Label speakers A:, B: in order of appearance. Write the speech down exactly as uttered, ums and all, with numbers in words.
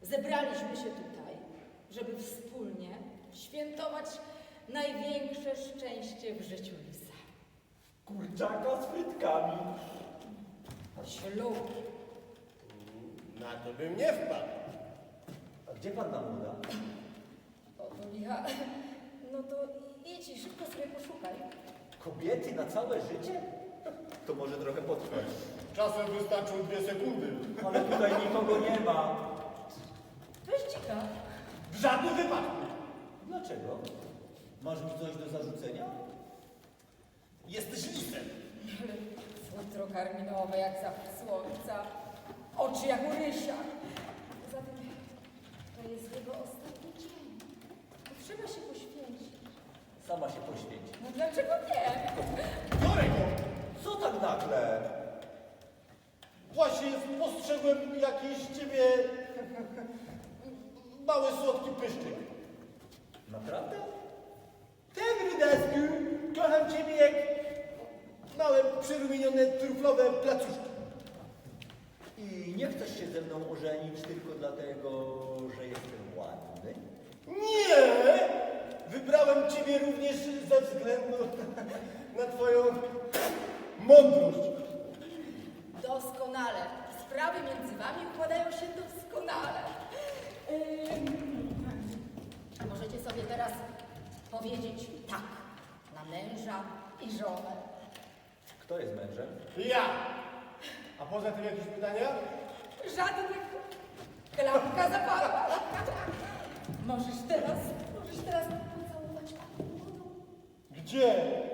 A: Zebraliśmy się tutaj, żeby wspólnie świętować największe szczęście w życiu lisa.
B: Kurczaka z frytkami.
A: Ślub.
C: Na to bym nie wpadł.
B: A gdzie panna młoda?
A: O, to licha. No to idź i szybko sobie poszukaj.
B: Kobiety na całe życie? To może trochę potrwać.
C: Czasem wystarczą dwie sekundy.
B: Ale tutaj nikogo nie ma.
A: Weź dzika.
C: W żadnym wypadku.
B: Dlaczego? Masz mi coś do zarzucenia?
C: Jesteś lisem.
A: Ale futro karminowe jak zachód słońca, oczy jak u rysia. Poza tym to jest jego ostatni dzień. To trzeba się poświęcić.
B: Sama się poświęci.
A: No dlaczego nie?
C: Biorę go.
B: Co tak nagle?
C: Właśnie spostrzegłem jakiś z ciebie mały, słodki pyszczyk.
B: Naprawdę?
C: Ten rydasku, kocham ciebie jak małe, przyrumienione, truflowe placuszki.
B: I nie chcesz się ze mną ożenić tylko dlatego, że jestem ładny?
C: Nie! Wybrałem ciebie również ze względu na twoją mądrość.
A: Doskonale. Sprawy między wami układają się doskonale. Ym, możecie sobie teraz powiedzieć tak na męża i żonę.
B: Kto jest mężem?
C: Ja! A poza tym jakieś pytania?
A: Żadnych. Klapka zapadła. Możesz teraz, możesz teraz pocałować panią młodą.
C: Gdzie?